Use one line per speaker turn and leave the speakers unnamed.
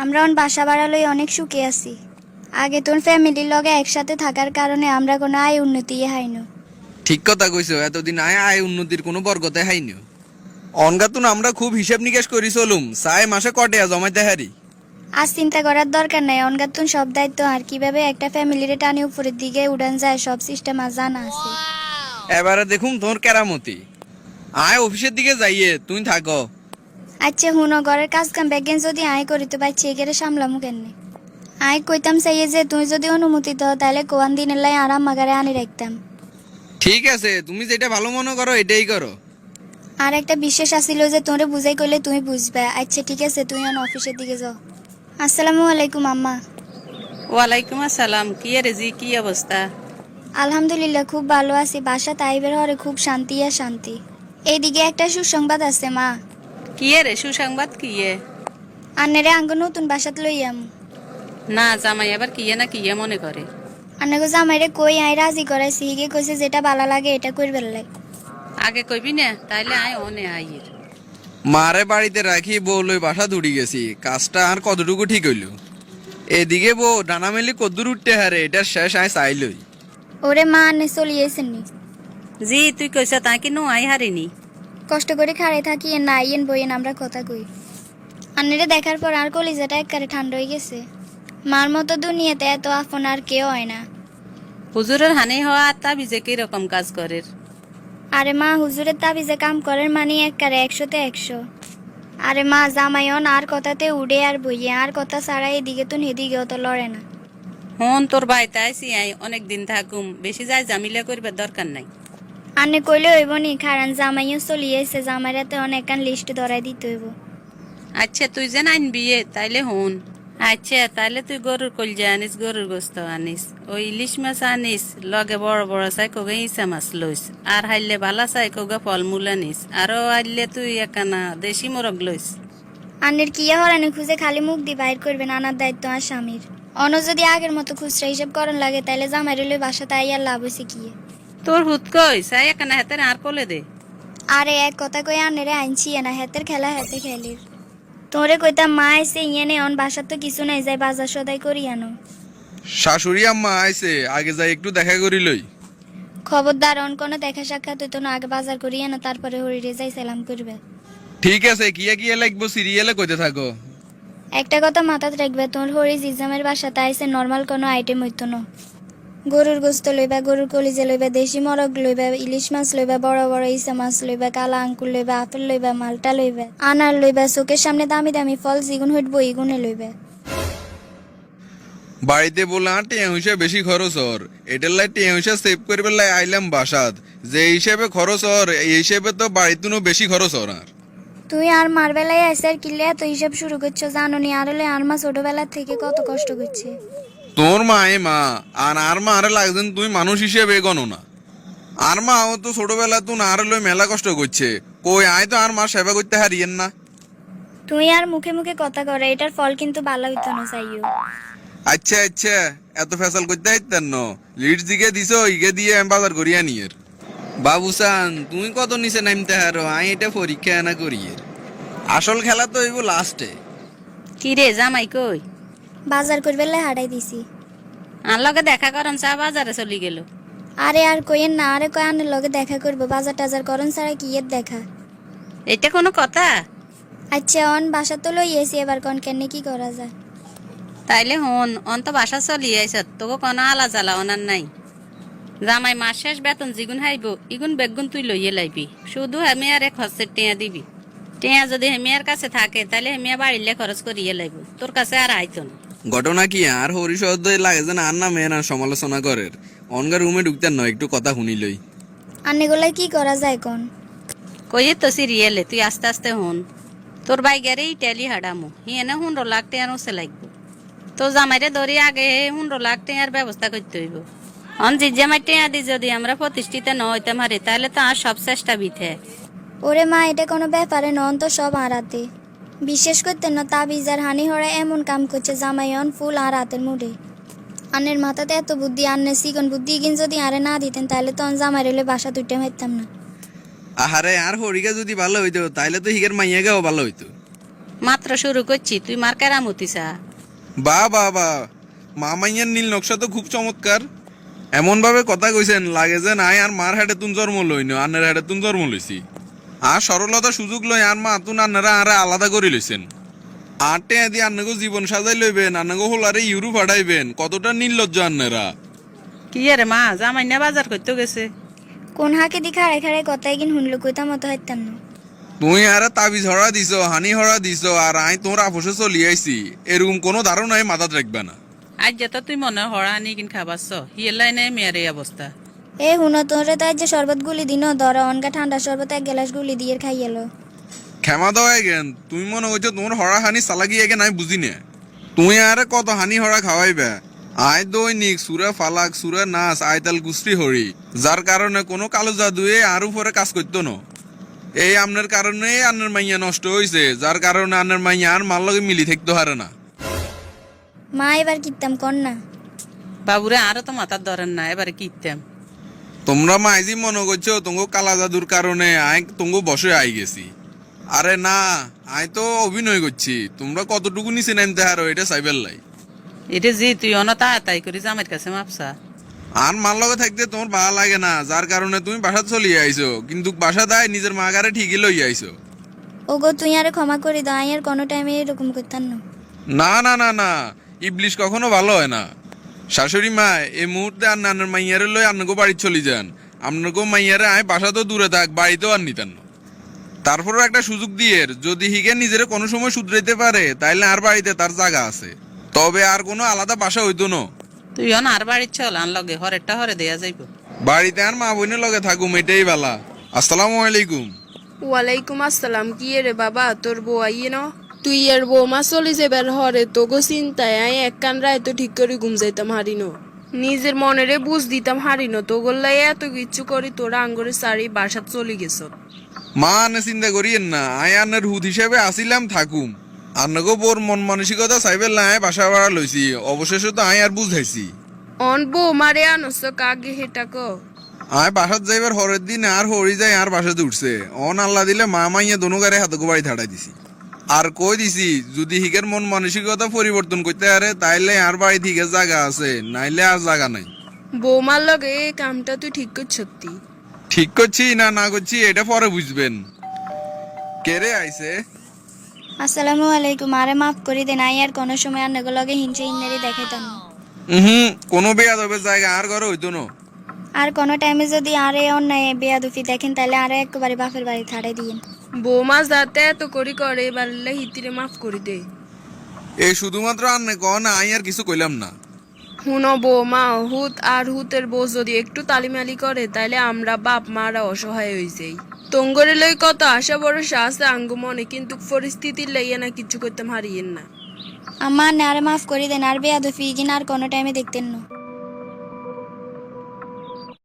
আমরা বাসা বাড়ালই অনেক সুখে আছি। আগে তোর ফ্যামিলির লগে একসাথে থাকার কারণে আমরা কোনো আয় উন্নতি হাইনো।
ঠিক কথা কইছো, এতদিন আয় উন্নতির কোনো বরগতে হাইনি। অনগাতুন আমরা খুব হিসাব নিকাশ করি চলুম, চাই মাসে কটেয়া জমাইতে হারি।
আজ চিন্তা করার দরকার নাই, অনগাতুন সব দায়িত্ব আর কিভাবে একটা ফ্যামিলির টানে উপরের দিকে উড়ান যায় সব সিস্টেম আর জানা আছে।
এবারে দেখুন তোর কেরামতি। আয় অফিসের দিকে যাইয়ে তুই থাকো।
আচ্ছা হুনো, ঘরের কাজ কাম ব্যাগেন যদি আয় করিতে পারছি এগেরে সামলামু কেনে। আয় কইতাম চাইয়ে যে তুই যদি অনুমতি দাও তাহলে কোয়ান দিনের লাই আরাম মাগারে আনি রাখতাম।
ঠিক আছে, তুমি যেটা ভালো মনে করো এটাই করো।
আর একটা বিশ্বাস আসিল যে তোরে বুঝাই করলে তুমি বুঝবে। আচ্ছা ঠিক আছে, তুই অফিসের দিকে যাও। আসসালামু আলাইকুম আম্মা।
ওয়ালাইকুম আসসালাম। কি রে জি, কি অবস্থা?
আলহামদুলিল্লাহ খুব ভালো আছি। বাসা তাইবের হরে খুব শান্তি আর শান্তি। এইদিকে একটা সুসংবাদ আছে মা।
কি রে সুসংবাদ? কি
আন্নেরে আঙ্গ নতুন বাসাত লইয়াম।
না জামাই আবার কি না কি মনে করে?
আন্নাগো জামাইরে কই আই রাজি করাইছি, হিগে কইছে যেটা ভালো লাগে এটা করবেন লাই।
আগে কইবি না তাইলে আয় অনে আইয়ের।
মারে বাড়িতে রাখি বউ লই বাসা দৌড়ি গেছি, কাজটা আর কতটুকু ঠিক হইল। এদিকে বউ ডানা মেলি কদ্দুর উঠতে হারে, এটার শেষ আয় চাইলই।
ওরে মা আন্নে চলিয়েছেন নি।
জি তুই কইছ তা কি নো আই হারিনি।
কষ্ট করে খাড়ে থাকি না আইয়েন বইয়েন আমরা কথা কই। আন্নেরে দেখার পর আর কলিজাটা একবারে ঠান্ডা হয়ে গেছে। মার মতো দুনিয়াতে এত আপন আর কেউ হয় না।
হুজুরের হানি হওয়া তা বিজে কি রকম কাজ করে?
আরে মা হুজুরের তাবিজে কাম করেন মানে একবারে 100-তে 100। আরে মা জামাইন আর কথাতে উড়ে আর বইয়ে আর কথা ছাড়া এদিকে তো হেদিকেও তো লড়ে না।
হন তোর বাড়িতে আইসি আই অনেক দিন থাকুম, বেশি যায় জামিলা করবার দরকার নাই।
আন্নে কইলে হইব নি, কারণ জামাইও চলিয়েছে, জামাইরাতে অনেক লিস্ট ধরাই দিতে হইব।
আচ্ছা তুই যে আনবি তাইলে হন। আচ্ছা তাইলে তুই গরুর কলজা আনিস, গরুর গোস্ত আনিস, ওই ইলিশ মাছ আনিস, লগে বড় বড় চাই কোগে ইসা মাছ লইস, আর হাইলে ভালা চাই কোগে ফলমূল আনিস, আরো আইলে তুই একানা দেশি মোরগ লইস।
আন্নের কিয়া হরানি খুঁজে খালি মুখ দিয়ে বাইর করবেন, আনার দায়িত্ব আর স্বামীর। অন্য যদি আগের মতো খুচরা হিসাব করেন লাগে তাইলে জামাই রইলে বাসাতে আইয়ার লাভ হয়েছে কি?
তোর হুত কই চাই একানা হাতের আর কোলে দে।
আরে এক কথা কই আন্নেরে আইনছি না, হাতের খেলা হাতে খেলির। তোরে কইতাম মা আইসে ইয়েনে অন বাসার তো কিছু নাই, যাই বাজার সদাই করি আনো।
শাশুড়ি আম্মা আইছে, আগে যাই একটু দেখা করি লই।
খবরদার অন কোনো দেখা সাক্ষাৎ হইতো না, আগে বাজার করি আনো তারপরে হরিরে যাই সালাম করবে।
ঠিক আছে, কিয়া কিয়া লাগবো সিরিয়ালে কইতে থাকো।
একটা কথা মাথাত রাখবে, তোর হরি জিজামের বাসাতে আইসে নর্মাল কোনো আইটেম হইতো না। গরুর গোস্ত লইবা, গরুর কলিজা লইবা, দেশি মরগ লইবা, ইলিশ মাছ লইবা, বড় বড় ইসা মাছ লইবা, কালা আঙ্কুর লইবা, আপেল লইবা, মালটা লইবা, আনার লইবা, চোখের সামনে দামি দামি ফল জিগুন হইব ইগুনে লইবা।
বাড়িতে বললাম টিয়া হিসেবে বেশি খরচ হর, এটার লাই টিয়া হিসেবে সেভ করবে লাই আইলাম বাসাত। যে হিসেবে খরচ হর এই হিসেবে তো বাড়িতে বেশি খরচ হর। আর
তুই আর মার বেলায় আইসে আর কিলে এত হিসাব শুরু করছো, জানো নি? আর হলে আর মা ছোটবেলার থেকে কত কষ্ট করছে।
তোর মা আর মা আরে লাগছেন তুই মানুষ হিসেবে গণো না। আর মা ও তো ছোটবেলা তুই আর লই মেলা কষ্ট করছে, কই আয় তো আর মা সেবা করতে হারিয়েন না।
তুই আর মুখে মুখে কথা করে, এটার ফল কিন্তু ভালো হইতো না চাইও।
আচ্ছা আচ্ছা, এত ফেসাল করতে হাইতেন ন, লিড দিকে দিছো ইগে দিয়ে আমি বাজার করিয়া নিয়ের। বাবুসান তুই কত নিচে নামতে হারো, আই এটা পরীক্ষা না করিয়ের। আসল খেলা তো হইব লাস্টে।
কি রে জামাই কই?
বাজার করবে লাই হারাই দিছি।
আর লগে দেখা করেন চা বাজারে চলি গেল।
আরে আর কইেন না, আরে কয় আনের লগে দেখা করবো, বাজার টাজার করেন ছাড়া কি এর দেখা।
এটা কোনো কথা?
আচ্ছা অন বাসা তো লই এসি, এবার কন কেনে কি করা যায়।
তাইলে হন অন তো বাসা চলি আইস, তোকে কোনো আলা জ্বালা অনার নাই। জামাই মাস শেষ বেতন জিগুন হাইব ইগুন বেগুন তুই লইয়ে লাইবি, শুধু হেমিয়ারে খরচের টেয়া দিবি। টেয়া যদি হেমিয়ার কাছে থাকে তাইলে হেমিয়া বাড়িলে খরচ করিয়ে লাইব, তোর কাছে আর আইতো না।
ঘটনা কি আর হরিশব্দ লাগে যেন আর না মেয়েরা সমালোচনা করের। অনগার রুমে ঢুকতেন নয়, একটু কথা শুনিলই।
আন্নেগুলাই কি করা যায় কোন?
কইয়ে তো সিরিয়ালে তুই আস্তে আস্তে হন। তোর বাই গেরে ইটালি হাডামো হিয়েনে 15 লাখ টেয়ার ওসে লাগবো। তো জামাইরে ধরি আগে 15 লাখ টেয়ার ব্যবস্থা করতে হইব। অন জিজ্জামাই টেয়া দি যদি আমরা প্রতিষ্ঠিত ন হইতাম হারি তাহলে তো আর সব চেষ্টা বিথে।
ওরে মা এটা কোনো ব্যাপারে নন তো, সব আড়াতে। বিশেষ করতে না তাবিজ আর হানি হরা এমন কাম করছে জামাইন ফুল আর রাতের মুডে। আন্নের মাথাতে এত বুদ্ধি, আন্নের সিগন বুদ্ধি কিন যদি আরে না দিতেন তাহলে তো জামাই রইলে বাসা দুইটা মারতাম না।
আহারে আর হরিকা যদি ভালো হইতো তাইলে তো হিগের মাইয়াগাও ভালো হইতো।
মাত্র শুরু করছি, তুই মার কেরামতি চা।
বা বা বা, মামাইয়ার নীল নকশা তো খুব চমৎকার। এমন ভাবে কথা কইছেন লাগে যে নাই আর মার হাটে তুন জন্ম লইন, আন্নের হাটে তুন জন্ম লইছি। আর সরলতা সুযোগ লই আর মা তুন আন্নারা আরে আলাদা করে লইছেন। আর টেয়া দিয়ে আন্নাগো জীবন সাজাই লইবেন, আন্নাগো হোলারে ইউরো ফাটাইবেন, কতটা নির্লজ্জ আন্নারা।
কি রে মা, জামাই না বাজার করতে গেছে?
কোন হাকে দি খাড়াই খাড়াই কথাই কিন শুনলো কইতা মতো হাইতাম না।
তুই আরে তাবিজ হরা দিছ, হানি হরা দিছ, আর আই তোর আপোষে চলি আইছি, এরকম কোনো ধারণাই মাথাত রাখবে না।
আজ যেত তুই মনে হড়া আনি কিন খাবাস, হিয়ের লাইনে মেয়ের এই অবস্থা।
এ হুনো তোরে তাই যে শরবত গুলি দিন ধরা অনকা ঠান্ডা শরবত এক গ্লাস গুলি দিয়ে খাইয়েলো।
ক্ষমা দেওয়া গেন, তুমি মনে হইছো তোমার হরা হানি চালাকি এগে নাই বুঝি না। তুই আরে কত হানি হরা খাওয়াইবে। আয় দৈনিক সুরে ফালাক সুরে নাচ আয়তাল গুস্তি হরি, যার কারণে কোনো কালো জাদুয়ে আর উপরে কাজ করতো না। এই আমনের কারণে আন্নের মাইয়া নষ্ট হইছে, যার কারণে আন্নের মাইয়া আর মার লগে মিলি থাকতে হারে না।
মা এবার কিতাম কর না।
বাবুরে আরো তো মাথার ধরেন না, এবারে কিনতাম।
তোমরা মাইজি মনে করছো তোমাকে কালা জাদুর কারণে আয় তোমাকে বসে আই গেছি। আরে না, আয় তো অভিনয় করছি। তোমরা কতটুকু নিচে নামতে হারো এটা চাইবেল লাই।
এটা জি তুই অনতা তাই করি জামাইয়ের কাছে মাপসা।
আর মার লগে থাকতে তোমার ভালো লাগে না, যার কারণে তুমি বাসা চলিয়ে আইছো, কিন্তু বাসা দায় নিজের মা গারে ঠিকই লই আইছো।
ওগো তুই আরে ক্ষমা করে দাও, আই আর কোনো টাইমে এরকম করতাম না।
না না না না, ইবলিশ কখনো ভালো হয় না। শাশুড়ি মা এই মুহূর্তে আর নানার মাইয়ারে লই আপনাকে বাড়ি চলে যান। আপনাকে মাইয়ারে আয় বাসা তো দূরে থাক, বাড়িতেও আর নিতেন না। তারপরও একটা সুযোগ দিয়ে যদি হিগে নিজের কোনো সময় শুধরাইতে পারে তাইলে আর বাড়িতে তার জায়গা আছে, তবে আর কোনো আলাদা বাসা হইতো না।
তুই অন আর বাড়ির চল, আন লগে হরেরটা হরে দেয়া যাইব।
বাড়িতে আর মা বোনের লগে থাকুম, এটাই বালা। আসসালামু আলাইকুম।
ওয়ালাইকুম আসসালাম। কি রে বাবা, তোর বউ আইয়ে ন? তুই এর বৌমা চলি যাবার হরে তোগো চিন্তায় আই এক কান রায় তো ঠিক করে ঘুম যাইতাম হারিনো। নিজের মনেরে বুঝ দিতাম হারিনো, তোগোর লাই এত কিচ্ছু করি তোরা আঙ্গরে সারি বাসাত চলি গেছ।
মা আনে চিন্তা করিয়েন না, আয় আন্নের হুদ হিসেবে আসিলাম থাকুম। আন্নগো বোর মন মানসিকতা চাইবেল না, আয় বাসা ভাড়া লইছি, অবশেষে তো আয় আর বুঝাইছি।
অন বৌমারে আনস কাগে হেটা ক।
আয় বাসাত যাইবার হরের দিন আর হরি যায় আর বাসাতে উঠছে। অন আল্লাহ দিলে মা মাইয়া দোনো গারে হাতগো বাড়ি থাড়াই দিছি। আর কই দিছি যদি হিগের মন মানসিকতা পরিবর্তন করতে পারে তাইলে আর বাড়ি থেকে জায়গা আছে, নাইলে আর জায়গা নাই।
বৌমার লগে এই কামটা তুই ঠিক করছ?
ঠিক করছি না না করছি এটা পরে বুঝবেন। কেরে আইছে?
আসসালামু আলাইকুম, আরে মাফ করে দেন, আই আর কোনো সময় আর নগো লগে হিংসে ইন্নারি দেখাইতাম না।
কোনো বেয়াদবের জায়গা আর ঘরে হইতো না।
আর কোনো টাইমে যদি আরে অন্যায় বেয়াদুফি দেখেন তাহলে আরে একবারে বাপের বাড়ি ছাড়াই দিন।
বৌমা যাতে এত করি করে এবার হিতিরে মাফ করি দে।
এই শুধুমাত্র আন্নে কন, আই আর কিছু কইলাম না।
হুনো বৌমা, হুত আর হুতের বউ যদি একটু তালিমালি করে তাইলে আমরা বাপ মারা অসহায় হয়ে যাই। তঙ্গরে লই কত আশা ভরসা আছে আঙ্গু মনে, কিন্তু পরিস্থিতির লাইয়া না কিছু করতাম হারিয়েন না।
আমার না আরে মাফ করে দেন, আর বেয়াদুফি কিনা আর কোনো টাইমে দেখতেন না।